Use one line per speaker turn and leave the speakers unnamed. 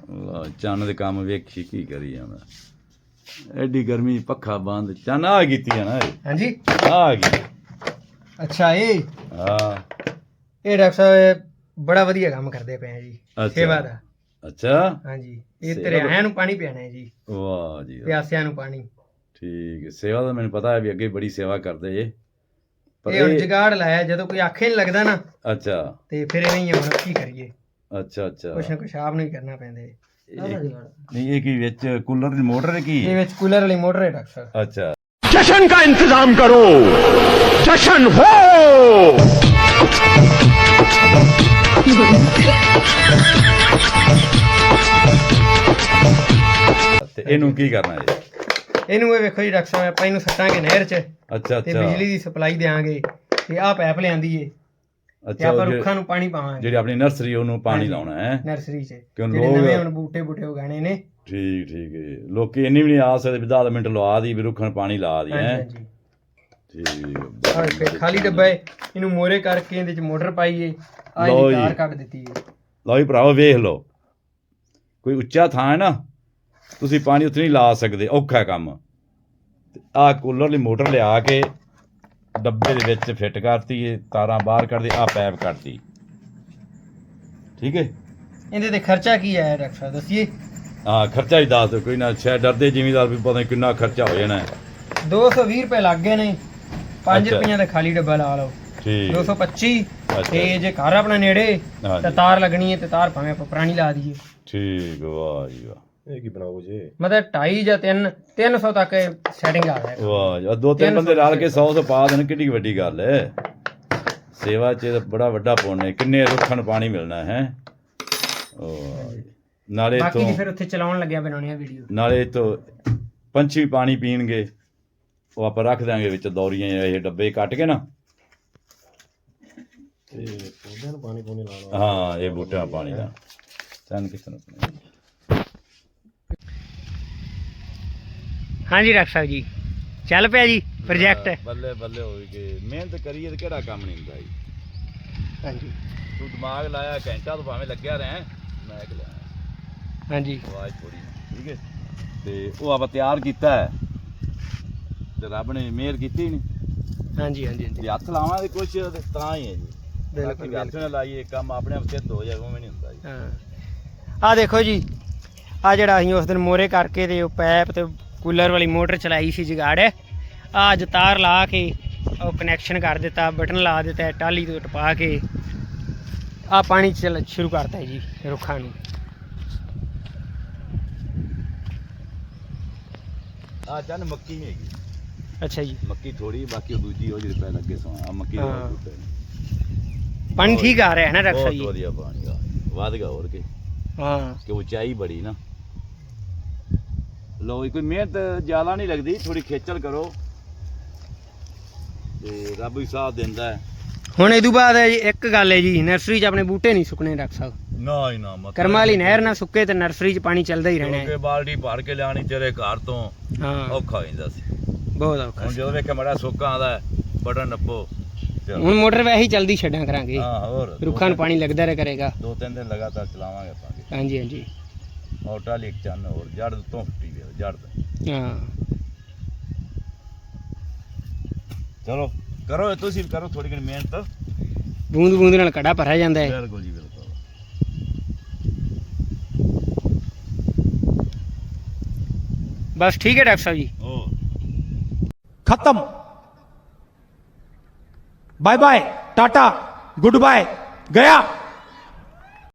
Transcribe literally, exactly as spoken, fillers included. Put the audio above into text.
चन्न दे काम वेखी की करी जाना एडी गर्मी पक्खा बंद चन्न आ कीती है ना
हाँ जी
आ गई
अच्छा ये
हाँ
ये डॉक्टर साहब बड़ा वधिया काम करते पे हैं जी
अच्छा।
सेवा दा
अच्छा
हाँ जी ये तेरे आया नू पानी पियाना है जी
वाह जी वाह।
प्यासिया नू पानी
ठीक है सेवा तो मैंने पता है भी अगे बड़ी सेवा करते ये पर
ये हुण
ये-
जुगाड़ लाया जदों कोई आखे नहीं लगदा ना
अच्छा
ते फिर इवें ही हुण की करिए
अच्छा अच्छा
कुछ ना कुछ आप ਨੂੰ ਹੀ ਕਰਨਾ ਪੈਂਦਾ ਹੈ
नहीं ये की विच कूलर दी मोटर है की
ਇਹ ਵਿੱਚ ਕੂਲਰ ਵਾਲੀ ਮੋਟਰ ਹੈ ਡਾਕਟਰ ਸਾਹਿਬ
अच्छा
जश्न का इंतजाम करो जश्न हो
ਤੇ ਇਹਨੂੰ ਕੀ ਕਰਨਾ ਹੈ
ਇਹਨੂੰ ਇਹ ਵੇਖੋ ਜੀ ਡਾਕਟਰ ਸਾਹਿਬ ਆਪਾਂ ਇਹਨੂੰ ਸੱਟਾਂਗੇ ਨਹਿਰ 'ਚ
ਅੱਛਾ
ਤੇ
ਅੱਛਾ
ਬਿਜਲੀ ਦੀ ਸਪਲਾਈ ਦੇਾਂਗੇ ਤੇ ਆਹ ਪੈਪ ਲਿਆਂਦੀ ਏ ਤੇ
ਅੱਛਾ
ਆਪਾਂ
ਉਹ
ਰੁੱਖਾਂ ਨੂੰ ਪਾਣੀ ਪਾਵਾਂਗੇ
ਜਿਹੜੀ ਆਪਣੀ ਨਰਸਰੀ ਉਹਨੂੰ ਪਾਣੀ
ਹਾਂਜੀ।
ਲਾਉਣਾ ਹੈ
ਨਰਸਰੀ 'ਚ
ਕਿਉਂ
ਜਿਹੜੇ
ਲੋਕ-
ਨਵੇਂ ਹੁਣ ਬੂਟੇ ਬੂਟੇ ਉਗਾਣੇ ਨੇ
ਠੀਕ ਠੀਕ ਹੈ ਲੋਕੀ ਇੰਨੀ ਵੀ ਨਹੀਂ ਆ ਸਕਦੇ ਵੀ ਦਸ ਮਿੰਟ ਲਵਾ ਦੀ ਵੀ ਰੁੱਖਾਂ ਨੂੰ ਪਾਣੀ ਲਾ ਦੀ
ਹਾਂਜੀ
ਹੈ
ਹਾਂਜੀ
ਠੀਕ
ਆਹ ਵੇਖੋ, ਖਾਲੀ ਡੱਬਾ ਏ ਇਹਨੂੰ ਮੋਰੇ ਕਰਕੇ ਇਹਦੇ 'ਚ ਮੋਟਰ ਪਾਈਏ ਆਹ
ਲਓ
ਇਹਦੀ
ਜੀ।
ਤਾਰ ਕੱਢ ਦਿੱਤੀ ਏ
ਲਓ ਜੀ ਭਰਾਵੋ ਵੇਖ ਲਓ ਕੋਈ ਉੱਚਾ ਥਾਂ ਹੈ ਨਾ ਤੁਸੀਂ ਪਾਣੀ ਉੱਥੇ ਨਹੀਂ ਲਾ ਸਕਦੇ ਔਖਾ ਕੰਮ ਆਹ ਕੂਲਰ ਵਾਲੀ ਮੋਟਰ ਲਿਆ ਕੇ ਡੱਬੇ ਦੇ ਵਿੱਚ ਫਿੱਟ ਕਰਤੀ ਇਹ ਤਾਰਾਂ ਬਾਹਰ ਕੱਢਦੇ ਆਹ ਪੈਪ ਕੱਢਤੀ ਠੀਕ ਹੈ
ਇਹਦੇ ਤੇ ਖਰਚਾ ਕੀ ਆਇਆ ਡਾਕਟਰ ਸਾਹਿਬ ਦੱਸੀਏ
ਹਾਂ ਖਰਚਾ ਹੀ ਦੱਸ ਦਿਓ ਕੋਈ ਨਾ ਸ਼ਾਇਦ ਡਰਦੇ ਜ਼ਿਮੀਦਾਰ ਵੀ ਪਤਾ ਨਹੀਂ ਕਿੰਨਾ ਖਰਚਾ ਹੋ ਜਾਣਾ ਹੈ।
ਦੋ ਸੌ ਵੀਹ ਰੁਪਏ ਲੱਗ ਗਏ ਨੇ ਪੰਜ
ਅੱਛਾ।
ਰੁਪਈਆਂ ਦਾ ਖਾਲੀ ਡੱਬਾ ਲਾ ਲਓ
ਠੀਕ
ਦੋ ਸੌ ਪੱਚੀ
ਅੱਛਾ।
ਤੇ ਜੇ ਘਰ ਆਪਣਾ ਨੇੜੇ
ਹਾਂਜੀ।
ਤਾਂ ਤਾਰ ਲੱਗਣੀ ਹੈ ਤੇ ਤਾਰ ਭਾਵੇਂ ਆਪਾਂ ਪੁਰਾਣੀ ਲਾ ਦਈਏ
ਠੀਕ ਵਾਹ ਜੀ ਵਾਹ
ਇਹ ਕੀ ਬਣਾਓ ਜੀ
ਮਤਲਬ ਢਾਈ ਜਾਂ ਤਿੰਨ ਤਿੰਨ ਸੌ ਤੱਕ ਸੈਟਿੰਗ ਆ ਜਾਏਗਾ
ਵਾਹ ਜੀ ਆਹ ਦੋ ਤਿੰਨ
ਤਿੰਨ
ਬੰਦੇ
ਸੌ
ਰਲ ਕੇ ਸੌ ਸੌ ਪਾ ਦੇਣ ਕਿੱਡੀ ਵੱਡੀ ਗੱਲ ਹੈ ਸੇਵਾ 'ਚ ਤਾਂ ਬੜਾ ਵੱਡਾ ਪੁੰਨ ਹੈ ਕਿੰਨੇ ਰੁੱਖਾਂ ਨੂੰ ਪਾਣੀ ਮਿਲਣਾ ਹੈ ਵਾਹ ਜੀ। ਨਾਲੇ
ਬਾਕੀ ਦੀ
ਤੋਂ
ਫਿਰ ਉੱਥੇ ਚਲਾਉਣ ਲੱਗਿਆ ਬਣਾਉਣੀ ਆ ਵੀਡੀਓ
ਨਾਲੇ ਤੋਂ ਪੰਛੀ ਪਾਣੀ ਪੀਣਗੇ ਉਹ ਆਪਾਂ ਰੱਖ ਦਾਂਗੇ ਵਿੱਚ ਦੌਰੀਆਂ ਇਹ ਡੱਬੇ ਕੱਟ ਕੇ ਨਾ
ਤੇ ਪੌਦਿਆਂ ਨੂੰ ਪਾਣੀ ਪੂਣੀ ਲਾਉਣਾ
ਹਾਂ ਇਹ ਬੂਟਿਆਂ ਦਾ ਪਾਣੀ ਦਾ ਚੰਨ ਕਿਸ ਤਰ੍ਹਾਂ
ਹਾਂਜੀ ਡਾਕਟਰ ਸਾਹਿਬ ਜੀ ਚੱਲ ਪਿਆ ਜੀ ਪ੍ਰੋਜੈਕਟ
ਬੱਲੇ ਬੱਲੇ ਹੋਈ ਕਿ ਮਿਹਨਤ ਕਰੀਏ ਤੇ ਕਿਹੜਾ ਕੰਮ ਨਹੀਂ ਹੁੰਦਾ ਜੀ
ਹਾਂਜੀ
ਤੂੰ ਦਿਮਾਗ ਲਾਇਆ ਘੰਟਾ ਤੋਂ ਭਾਵੇਂ ਲੱਗਿਆ ਰਹਿ ਮੈਂ ਕਿ ਲਿਆ
ਹਾਂਜੀ
ਆਵਾਜ਼ ਥੋੜੀ ਠੀਕ ਹੈ ਤੇ ਉਹ ਆਪਾਂ ਤਿਆਰ ਕੀਤਾ ਹੈ ਤੇ ਰੱਬ ਨੇ ਮਿਹਰ ਕੀਤੀ ਨਹੀਂ
ਹਾਂਜੀ ਹਾਂਜੀ ਹਾਂਜੀ
ਜੇ ਹੱਥ ਲਾਵਾਂਗੇ ਕੁਛ ਤੇ ਤਾਂ ਹੀ ਹੈ ਜੀ
ਬਿਲਕੁਲ,
ਬਾਕੀ ਹੱਥ ਨਾਲ ਲਾਈਏ ਕੰਮ ਆਪਣੇ ਆਪ ਸਿੱਧ ਹੋ ਜਾਏ ਉਵੇਂ ਨਹੀਂ ਹੁੰਦਾ ਜੀ
ਹਾਂ ਆ ਦੇਖੋ ਜੀ ਆ ਜਿਹੜਾ ਅਸੀਂ ਉਸ ਦਿਨ ਮੋਰੇ ਕਰਕੇ ਤੇ ਉਹ ਪੈਪ ਤੇ ਕੂਲਰ ਵਾਲੀ ਮੋਟਰ ਚਲਾਈ ਸੀ ਜਗਾੜ ਆ ਅੱਜ ਤਾਰ ਲਾ ਕੇ ਉਹ ਕਨੈਕਸ਼ਨ ਕਰ ਦਿੱਤਾ ਬਟਨ ਲਾ ਦਿੱਤਾ ਟਾਲੀ ਤੋਂ ਟਪਾ ਕੇ ਆ ਪਾਣੀ ਚੱਲ ਸ਼ੁਰੂ ਕਰਤਾ ਜੀ ਰੁੱਖਾਂ ਨੂੰ
ਆ ਚੰਨ ਮੱਕੀ ਨਹੀਂ ਹੈਗੀ
ਅੱਛਾ ਜੀ
ਮੱਕੀ ਥੋੜੀ ਬਾਕੀ ਉਹ ਦੂਜੀ ਉਹ ਜਿਹੜੇ ਪੈ ਲੱਗੇ ਸੋ ਆ ਮੱਕੀ ਦਾ
ਹਾਂ।
ਬੂਟਾ ਹੈ।
ਪਾਣੀ ਠੀਕ ਆ ਰਿਹਾ ਹੈ ਨਾ ਡਾਕਟਰ ਸਾਹਿਬ
ਬਹੁਤ
ਜੀ
ਵਧੀਆ ਪਾਣੀ ਆ ਵਧ ਗਿਆ ਹੋਰ ਕੇ
ਹਾਂ
ਕਿ ਉਚਾਈ ਬੜੀ ਨਾ ਲੋ ਕੋਈ ਮਿਹਨਤ ਜ਼ਿਆਦਾ ਨਹੀਂ ਲੱਗਦੀ ਥੋੜੀ ਖੇਚਲ ਕਰੋ ਤੇ ਰੱਬ ਵੀ ਸਾਥ ਦਿੰਦਾ ਹੈ
ਹੁਣ ਇਹ ਤੋਂ ਬਾਅਦ ਹੈ ਜੀ ਇੱਕ ਗੱਲ ਹੈ ਜੀ ਨਰਸਰੀ 'ਚ ਆਪਣੇ ਬੂਟੇ ਨਹੀਂ ਸੁੱਕਣੇ ਡਾਕਟਰ ਸਾਹਿਬ
ਨਾ ਹੀ ਨਾ ਮਤਲਬ
ਕਰਮਾਂ ਵਾਲੀ ਨਹਿਰ ਨਾ ਸੁੱਕੇ ਤੇ ਨਰਸਰੀ 'ਚ ਪਾਣੀ ਚੱਲਦਾ ਹੀ ਰਹਿਣਾ
ਕਿਉਂਕਿ
ਹੈ
ਬਾਲਟੀ ਭਰ ਕੇ ਲਿਆਣੀ ਤੇਰੇ ਘਰ ਤੋਂ
ਹਾਂ
ਔਖਾ ਹੋ ਜਾਂਦਾ ਸੀ
ਬਹੁਤ ਔਖਾ
ਹੁਣ ਜਦੋਂ ਵੇਖਿਆ ਮੜਾ ਸੁੱਕਾ ਆਉਂਦਾ ਬਟਨ ਨੱਪੋ ਚਲੋ।
ਹੁਣ ਮੋਟਰ ਵੈਸੇ ਹੀ ਚੱਲਦੀ ਛੱਡਾਂ ਕਰਾਂਗੇ
ਹਾਂ ਹੋਰ ਦੋ
ਰੁੱਖਾਂ ਨੂੰ ਪਾਣੀ ਲੱਗਦਾ ਰਿਹਾ ਕਰੇਗਾ
ਦੋ ਤਿੰਨ ਦਿਨ ਲਗਾਤਾਰ ਚਲਾਵਾਂਗੇ ਆਪਾਂ
ਹਾਂਜੀ ਹਾਂਜੀ
ਔਰ ਟਾਲੀ ਇੱਕ ਚੰਨ ਹੋਰ ਜੜ ਤੋਂ ਫੁੱਟੀ ਗਈ ਜੜ ਤੋਂ
ਹਾਂ
ਚਲੋ ਕਰੋ ਤੁਸੀਂ ਵੀ ਕਰੋ ਥੋੜੀ ਜਿਹੀ ਮਿਹਨਤ
ਬੂੰਦ ਬੂੰਦ ਨਾਲ ਘੜਾ ਭਰਿਆ ਜਾਂਦਾ ਹੈ
ਬਿਲਕੁਲ ਜੀ ਬਿਲਕੁਲ
ਬਸ ਠੀਕ ਹੈ ਡਾਕਟਰ ਸਾਹਿਬ ਜੀ
ओ
खत्म bye bye tata good bye गया